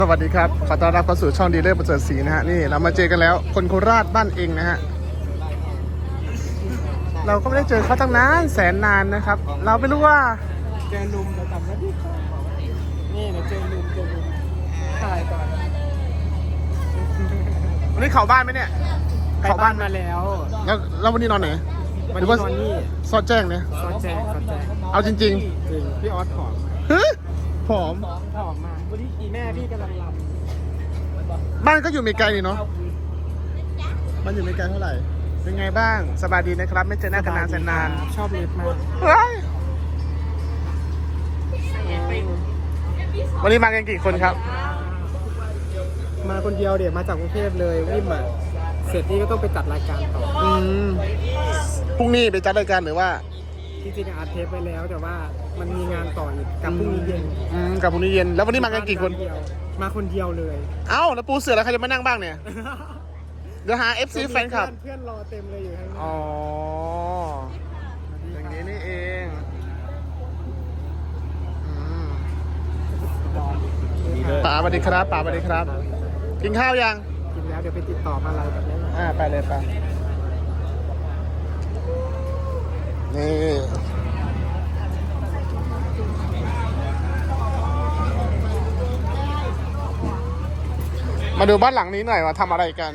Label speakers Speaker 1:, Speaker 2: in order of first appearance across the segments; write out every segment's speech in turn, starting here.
Speaker 1: สวัสดีครับขอต้อนรับเข้าสู่ช่องดีเลอร์ประเสริฐศรีนะฮะนี่เรามาเจอกันแล้วคนโคราชบ้านเองนะฮะเราก็ไม่ได้เจอเขาตั้งนานแสนนานนะครับเราไม่รู้ว่า
Speaker 2: เจอลุมเราจำได้ดินี่นะเจอลุมถ่ายก่อน
Speaker 1: วันนี้เข้าบ้านไหมเนี่ย
Speaker 2: เข้าบ้านมาแล้ว
Speaker 1: แล้ววันนี้นอนไหน
Speaker 2: วันนี้นอนนี่
Speaker 1: ซอดแจ้งเนี่ย
Speaker 2: ซอแจง
Speaker 1: เอาจริง
Speaker 2: จริงพี่ออสผอม
Speaker 1: ๆฮึผอม
Speaker 2: ผอมมากวันนี้แม่พี่กำลังรำ
Speaker 1: บ้านก็อยู่ไม่ไกลนี่เนาะบ้านอยู่ไม่ไกลเท่าไหร่เป็นไงบ้างสบายดีนะครับไม่เจอหน้ากันนานแสนนาน
Speaker 2: ชอบเล็บมาก
Speaker 1: เฮ้ยวันนี้มากันกี่คนครับ
Speaker 2: มาคนเดียวเดี๋ยวมาจากกรุงเทพเลยวิ่งมาเสร็จนี่ก็ต้องไปจัดรายการต่อ
Speaker 1: พรุ่งนี้ไปจัดรายการหรือว่า
Speaker 2: จริงๆอัดเทปไปแล้วแต่ว่ามันมีงานต่ออีกกับพรุ่งนี้เย็น
Speaker 1: กับพรุ่งนี้เย็นแล้ววันนี้มากันกี่คน
Speaker 2: มาคนเดียวเลย
Speaker 1: เอ้าแล้วปูเสือแล้วใครจะมานั่งบ้างเนี่ยเดี๋ยวหา FC แฟนคลับ
Speaker 2: เพื่อนรอเต็มเลยอยู่ข้างหน้า
Speaker 1: อ๋ออย่างนี้นี่เองป๋าสวัสดีครับป๋าสวัสดีครับกินข้าวยัง
Speaker 2: กินแล้วเดี๋ยวไปติดต่อมาอะไรแบบนี้
Speaker 1: ไปเลยไปนี่มาดูบ้านหลังนี้หน่อยว่าทำอะไรกัน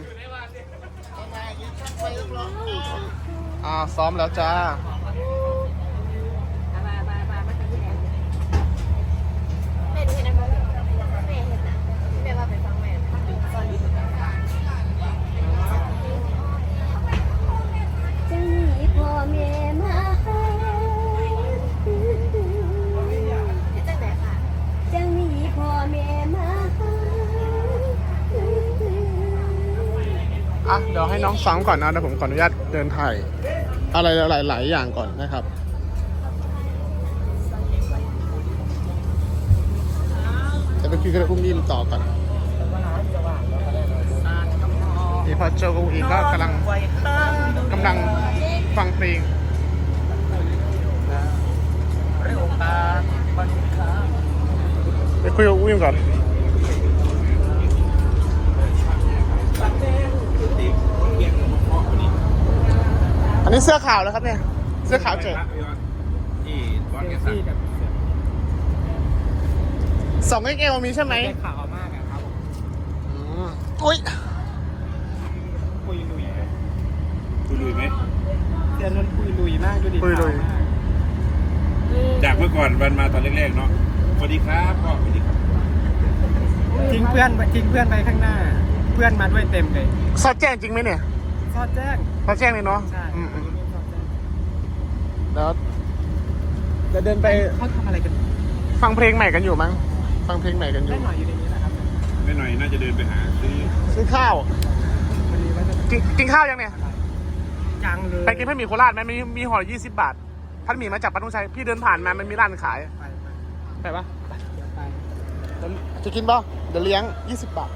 Speaker 1: ซ้อมแล้วจ้าเดี๋ยวให้น้องซ้อมก่อนนะเดี๋ยวผมขออนุญาตเดินถ่ายอะไรหลายอย่างก่อนนะครับจะไปคุยกับอุ้มอิ่มต่อก่อนนี่พอเจออุ้มอิ่มก็กำลังฟังเพลงไปคุยกับอุ้มอิ่มก่อนอันนี้เสื้อขาวแล้วครับเนี่ยเสื้อขาวเจ๋ง2XL มีใช่ไหม
Speaker 2: ขาวมากครับ
Speaker 1: อุ้ย
Speaker 2: คุยลุย
Speaker 3: ไหม
Speaker 2: เดือนนั้นคุยลุยมากดูดิ
Speaker 1: คุยลุย
Speaker 3: จากเมื่อก่อนวันมาตอนแรกๆเนาะสวัสดีครับพ่อสวัสดีครับ
Speaker 2: ทิ้งเพื่อนไปข้างหน้า เพื่อนมาด้วยเต็มเลย
Speaker 1: ซอดแจ้งจริงไหมเนี่ย
Speaker 2: ซอดแจ้ง
Speaker 1: ซอดแจ้งเลยเนาะ
Speaker 2: ใช่
Speaker 1: แล้วจะเดินไป
Speaker 2: เขาทำอะไรกัน
Speaker 1: ฟังเพลงใหม่กันอยู่มั้งฟังเพลงใหม่กันอยู่
Speaker 2: ได้หน่อยอยู่ในนี้นะครับ
Speaker 3: แม่หน่อยน่าจะเดินไปหาซื้อ
Speaker 1: ข้าว
Speaker 2: พอดีว่าจะ
Speaker 1: กินข้าวยังเนี่ย
Speaker 2: จังเลย
Speaker 1: ไปกินพัดหมี่โคราชไหมมีห่อ20 บาทพัดหมี่มาจากปัตตุชัยพี่เดินผ่านมามันมีร้านขายไปปะ
Speaker 2: เดี๋ยวไป
Speaker 1: จะกินป่ะเดี๋ยวเลี้ยง20 บาท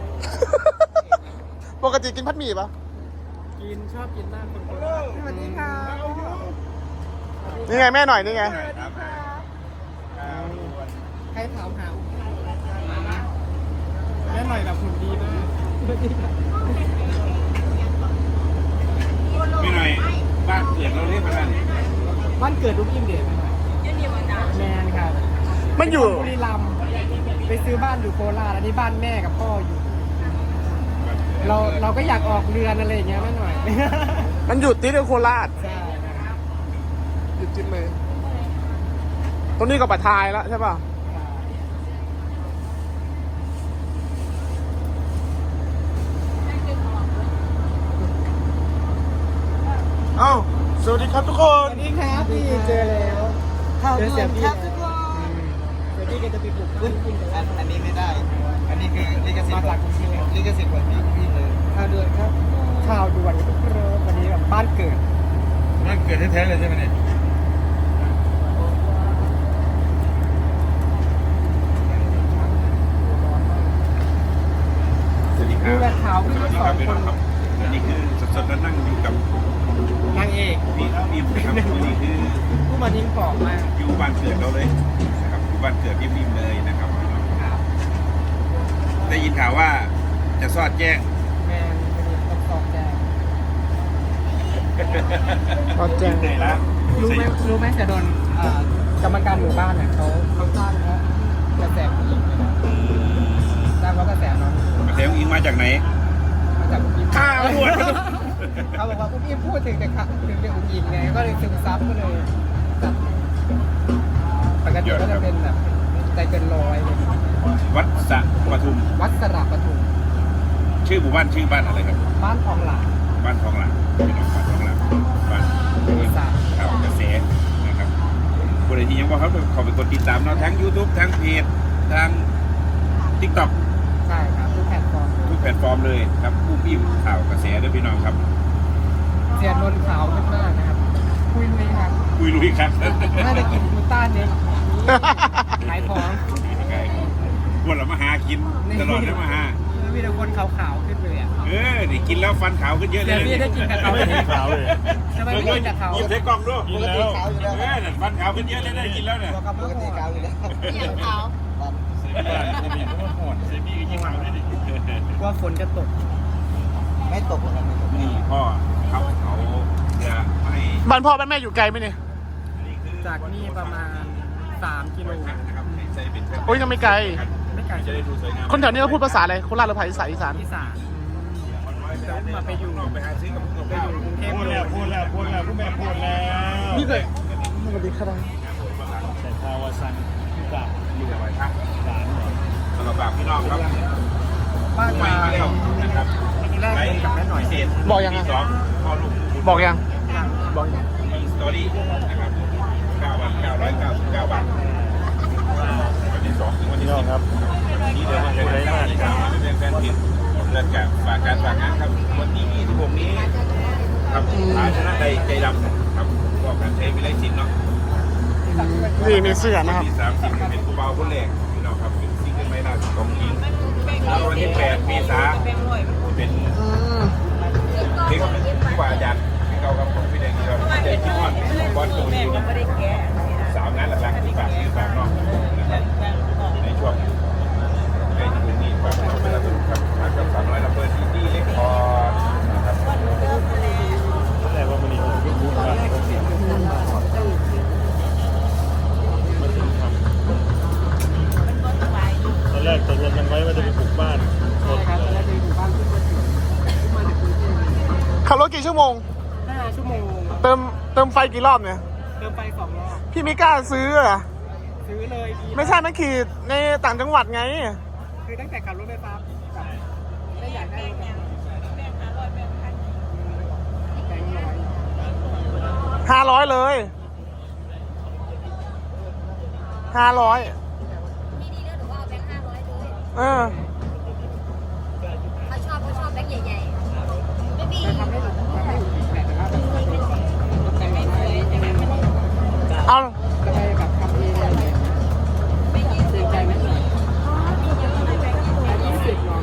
Speaker 1: ปกติกินพัดหมี่ป่ะ
Speaker 2: กินชอบกินมากคนสวัสดีค่ะ
Speaker 1: นี่ไงแม่หน่อยนี่ไง
Speaker 2: ใครถามหาแม่หน่อยแบบหุ่นดีมาก
Speaker 3: แม่หน่อยบ้านเกิดเราเรียกมัน
Speaker 2: บ้านเกิดลูกอิ่มเดชแมนครับ
Speaker 1: มันอยู่
Speaker 2: บุรีรัมย์ไปซื้อบ้านอยู่โคราชอันนี้บ้านแม่กับพ่ออยู่ เราก็อยากออกเรือนอะไรอย่างเงี้ยแม่หน่อย
Speaker 1: มันอยู่ติดกับโคราช
Speaker 2: ใช่
Speaker 1: อยู่ติดเลยตรงนี้ก็ปะทายแล้วใช่ป่ะเอ้าสวัสดีครับทุกค
Speaker 2: ส
Speaker 1: น
Speaker 2: วัสดีครับพี่เจอแล้วเจอเสียพี่แล้วเดี๋ยวพี่ก็จะไปปลุกบ้านกินกัน
Speaker 4: อันนี้ไม่ได้ อันนี้คือลิขสิท
Speaker 2: มา
Speaker 4: ธิ์
Speaker 2: จากกรุงเทพ
Speaker 4: ลิขสิทธิ์ของพี่เลย
Speaker 2: ข่าวด่วนครับข่าวด่วนทุกเรื่องวันนี้แบบบ้านเกิด
Speaker 4: มันเกิดแท้ๆเลยใช่ไหมเนี่ย
Speaker 3: สวัสดีค
Speaker 2: ดู
Speaker 3: รับ
Speaker 2: แลข่าวพี่
Speaker 3: สวัสดี
Speaker 2: ส
Speaker 3: ค
Speaker 2: อ
Speaker 3: รับ
Speaker 2: ง
Speaker 3: พี่
Speaker 2: ค
Speaker 3: น้อน งครับอันนี้คือสดๆแล้วนั่งอยู่กับ
Speaker 2: นางเอก
Speaker 3: พี่ครับอันนี้คือ
Speaker 2: ผู้มาทิ้งของมาก
Speaker 3: อยู่บ้านเกิดเราเลยนะครับอยู่บ้านเกิดพี่พิมเลยนะครับพี่น้องได้ยินข่าวว่าจะสอดแจ้ง
Speaker 2: แมนต้องสอบแจ้ง
Speaker 1: ก็แจ้ง
Speaker 3: ไหนละ
Speaker 2: รู้ไหมจะโดนกรรมการหมู่บ้านเนี่ยเขาจ้างเพราะกระแสผู้หญิงเลยนะจ้างเพราะกระแสน้อง
Speaker 3: กระแสอิงมาจากไหน
Speaker 2: มาจากผู้หญิง
Speaker 3: ข้าวหมด
Speaker 2: เขาบอกว่าผู้หญิงพูดถึงแต่ถึงเรื่องผู้หญิงไงก็เลยซึมซับก็เลยจัดปกติก็จะเป็นแบบใจเกินร้อยเลย
Speaker 3: วัดสระปทุม
Speaker 2: วัดสระปทุม
Speaker 3: ชื่อหมู่บ้านชื่อบ้านอะไรครับ
Speaker 2: บ้านทองหลาง
Speaker 3: บ้านทองหลางพี่น้องบ้านทองหลางบ้าน
Speaker 2: อีสาน
Speaker 3: ข่าวกระแสนะครับคนที่ยังว่าเขาเขาเป็นคนติดตามเราทั้ง YouTube ทั้งเพจทั้ง TikTok
Speaker 2: ใช่ครับทุกแพลตฟอร์ม
Speaker 3: ทุกแพลตฟอร์มเลยครับผู้พิมพ์ข่าวกระแสด้วยพี่น้องครับ
Speaker 2: เสียนนขาวมากๆนะครับคุยลุยครับ
Speaker 3: คุยลุยครับ
Speaker 2: น่าจะกินกลูต้าเนี่ยขายของ
Speaker 3: พวกเรามาหากินตลอดเลยมาหา
Speaker 2: มีแต่คนขาวๆขึ้นเลยอ่ะ
Speaker 3: นี่กินแล้วฟันขาวขึ้นเยอะเลย
Speaker 2: เดี๋ยวพี่ได้กินกับเขาเลย
Speaker 4: ขาวเลย
Speaker 2: ทำไมไม่กินกับเขา
Speaker 3: หยิบใส่กล่องด้วย
Speaker 4: กินแล้ว
Speaker 3: นั่นฟันขาวขึ้นเยอะเลยได้กินแล้วเนี่ย
Speaker 2: ตัวกับปกติขาวอยู่แล้ว
Speaker 5: อย่างเขา
Speaker 4: เซมี่ก็โหด
Speaker 3: เซมี่ก็ยิงขาวด้วยดิ
Speaker 2: ว่าฝนจะตก
Speaker 4: ไม่ตกหรอกครับไม่ตก
Speaker 3: นี่พ่อเขาจะให้
Speaker 1: บ้านพ่อบ้านแม่อยู่ไกลไหมเนี่ย
Speaker 2: จากนี่ประมาณ3 กิโล
Speaker 3: นะครับใส่เป็น
Speaker 1: โอ้ยยังไม่ไกล
Speaker 2: ไม่ไกล
Speaker 3: จะได้ดูสวยงาม
Speaker 1: คนแถวนี้เขาพูดภาษาอะไรโคราชหรือภาษาอีสาน
Speaker 2: อีสานแต่ว่ามาไปอยู่
Speaker 3: ไปหาซื้อกับ
Speaker 2: ไปอยู่กรุงเทพ
Speaker 4: พูด
Speaker 2: เล
Speaker 4: แล้
Speaker 2: ยว
Speaker 4: พูดแล้วพูดแล้วผู้แม่พูดแล้ว
Speaker 1: นี่เลยสวัสดีครับ
Speaker 4: แต่ทาวาซันกับ
Speaker 3: อยู่ไว้ครับ
Speaker 4: หลานเนี่ย
Speaker 3: สำหรับฝากพี่น้องครับ
Speaker 2: บ้าน
Speaker 3: ไม่
Speaker 2: มา
Speaker 3: เร็วนะครับ
Speaker 2: แรกเป็นกับแม่หน่อย
Speaker 3: พิเศษ
Speaker 1: บอกยังไง
Speaker 3: สองพ่อลูก
Speaker 1: บอกยังบอกยัง
Speaker 3: มีสตอรี่นะครับ9,999 บาทวันที่2ถึงวันที่
Speaker 4: พี่น้องครับ
Speaker 3: นี่เดือนเป็นแฟนเพจเรื่องการฝากงานครับวันที่26นี้ครับภาชนะใดใจดำครับบอกการใช้วิไลศิลป์เนาะ
Speaker 1: นี่มีเสื้อนะครับ
Speaker 3: ที่30เป็นผู้เบาคนแรกพี่น้องครับเป็นซิงเกิลใหม่ล่าสุดของหญิงแล้ววันที่8เมษายนเป็น
Speaker 1: อืม
Speaker 3: เด็กผู้ว่าอาจารย์เก่ากับของพี่แดงที่เราใจคิดว่าบอลตรงนี้3งานหลักๆที่ฝากที่ฝากน้องนะครับในช่วงในที่นี้ฝากน้องไปแล้วครับฝากกับ300ระเบิดที่เล็กพอนะครับ
Speaker 4: แต่ว่ามันนี่มันเป็นบุญกันตอนแรกตกลงกันไว้ว่าจะไปปลูกบ้านหมด
Speaker 2: ครับ
Speaker 4: เล
Speaker 2: แล้ว
Speaker 4: ย
Speaker 2: จะอยู่บ้านขึ้นมาถึงมาจากกรุงเทพ
Speaker 1: ขับรถกี่ชั่วโมง
Speaker 2: 5 ชั่วโมง
Speaker 1: เติมไฟกี่รอบเนี่ย
Speaker 2: เดินไป2 รอบ
Speaker 1: พี่ไม่กล้าซื้อเหรอ
Speaker 2: ซื้อเลยดี
Speaker 1: ไม่ใช่มันขี่ในต่างจังหวัดไง
Speaker 2: คือตั้งแต่ขับรถไฟฟ้าแบบไม่อยากได้รถแบบแบงค์ร้อย
Speaker 1: 500 เลย 500
Speaker 5: พี่ดีเลือกหรือว่าเอาแบงค์500เลย เขาชอบแบงค์ใหญ่ๆ ไม่มี
Speaker 2: จะทำให้ถูกแต่ว่าแบบแต่ไม่สวยแต่ไม่ไม่
Speaker 1: เอา
Speaker 2: จะไปแบบทำเองอะไรเงี้ยเกรงใจไม่หน่อย20น้อง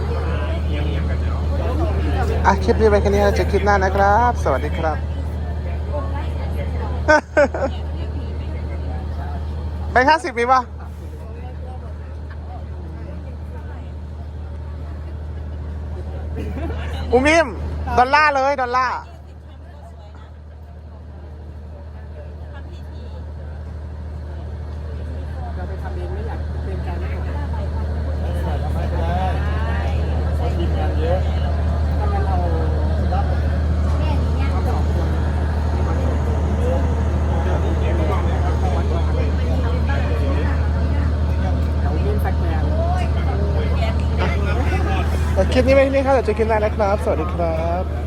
Speaker 1: อ่ะคลิปนี้ไปแค่นี้นะเจอคลิปหน้านะครับ สวัสดีครับ แบงค์50มีป่ะอุ้มอิมดอลลาร์เลยดอลลาร์
Speaker 2: เราไปทำเองไม่อยากเกรงใจไม่หน่อย
Speaker 4: ทำให้ไปได้เขาทีมงานเยอะ
Speaker 2: ถ้างั้นเราเอาสองคนเดี๋ยววิ่งสักแมน
Speaker 1: คลิปนี้ไปที่นี่ครับเดี๋ยวเจอคลิปหน้านะครับ สวัสดีครับ